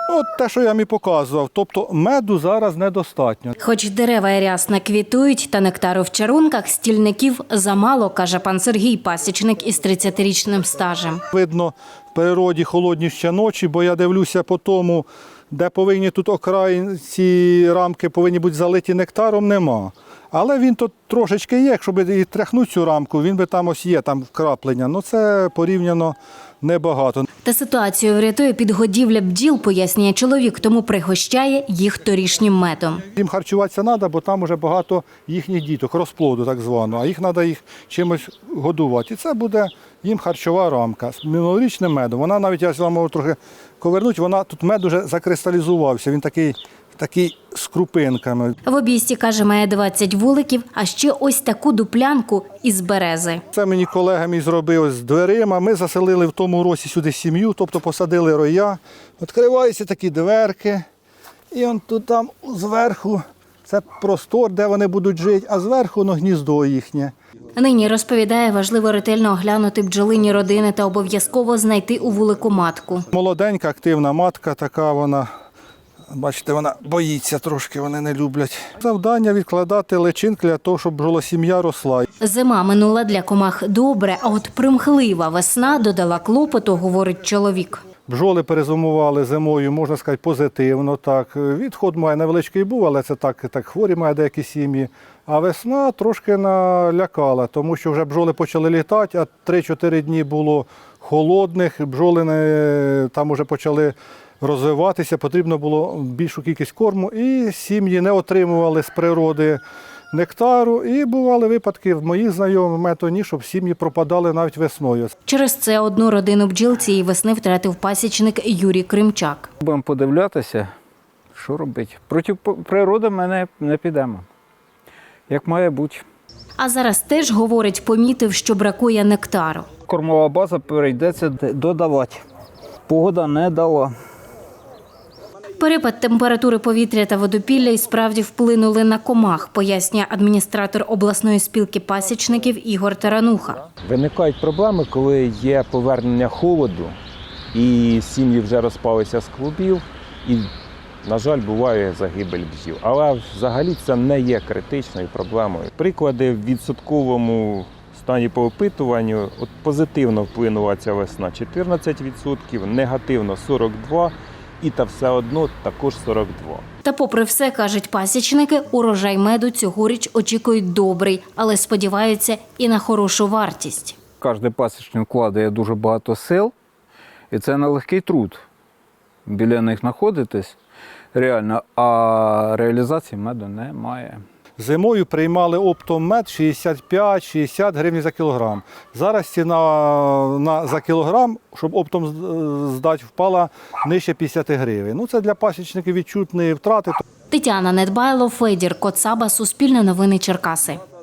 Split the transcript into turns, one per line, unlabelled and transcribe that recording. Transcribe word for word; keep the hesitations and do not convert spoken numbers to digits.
От те, що я вам і показував. Тобто меду зараз недостатньо.
Хоч дерева і рясна квітують, та нектару в чарунках стільників замало, каже пан Сергій, пасічник із тридцятирічним стажем.
Видно, в природі холодні ще ночі, бо я дивлюся по тому, де повинні тут окраї, ці рамки повинні бути залиті нектаром, нема. Але він тут трошечки є, якщо б і тряхнути цю рамку, він би там ось є, там вкраплення. Ну це порівняно небагато.
Та ситуацію врятує підгодівля бджіл, пояснює чоловік, тому пригощає їх торішнім медом.
Їм харчуватися треба, бо там вже багато їхніх діток, розплоду так званого, а їх треба їх чимось годувати. І це буде їм харчова рамка з минулорічним медом. Вона навіть, я вам можу трохи ковернути, вона тут мед вже закристалізувався, він такий, такий з крупинками.
В обійсті, каже, має двадцять вуликів, а ще ось таку дуплянку із берези.
Це мені колега мій зробив з дверима. Ми заселили в тому році сюди сім'ю, тобто посадили роя. Відкриваються такі дверки. І он тут там зверху це простор, де вони будуть жити, а зверху ну, гніздо їхнє.
Нині, розповідає, важливо ретельно оглянути бджолині родини та обов'язково знайти у вулику матку.
Молоденька, активна матка така вона. Бачите, вона боїться трошки, вони не люблять. Завдання відкладати личинки для того, щоб бджолосім'я росла.
Зима минула для комах добре, а от примхлива весна додала клопоту, говорить чоловік.
Бджоли перезимували зимою, можна сказати, позитивно. Так. Відход має невеличкий був, але це так, так хворі має деякі сім'ї. А весна трошки налякала, тому що вже бджоли почали літати, а три-чотири дні було холодних, бджоли не, там вже почали розвиватися, потрібно було більшу кількість корму, і сім'ї не отримували з природи нектару. І бували випадки в моїх знайомих метоні, щоб сім'ї пропадали навіть весною.
Через це одну родину бджіл цієї весни втратив пасічник Юрій Кримчак.
Будемо подивлятися, що робити. Проти природи ми не, не підемо, як має бути.
А зараз теж, говорить, помітив, що бракує нектару.
Кормова база прийдеться додавати. Погода не дала.
Перепад температури повітря та водопілля і справді вплинули на комах, пояснює адміністратор обласної спілки пасічників Ігор Тарануха.
Виникають проблеми, коли є повернення холоду і сім'ї вже розпалися з клубів і, на жаль, буває загибель бджіл. Але взагалі це не є критичною проблемою. Приклади в відсотковому стані по опитуванню, от позитивно вплинула ця весна чотирнадцять відсотків, негативно сорок два відсотки. І та все одно також сорок два.
Та попри все, кажуть пасічники, урожай меду цьогоріч очікують добрий, але сподіваються і на хорошу вартість.
Кожен пасічник вкладає дуже багато сил, і це нелегкий труд. Біля них знаходитись реально, а реалізації меду немає.
Зимою приймали оптом мед шістдесят п'ять - шістдесят гривень за кілограм. Зараз ціна на, за кілограм, щоб оптом здати, впала нижче п'ятдесят гривень. Ну, це для пасічників відчутні втрати.
Тетяна Недбайло, Федір Коцаба, Суспільне новини Черкаси.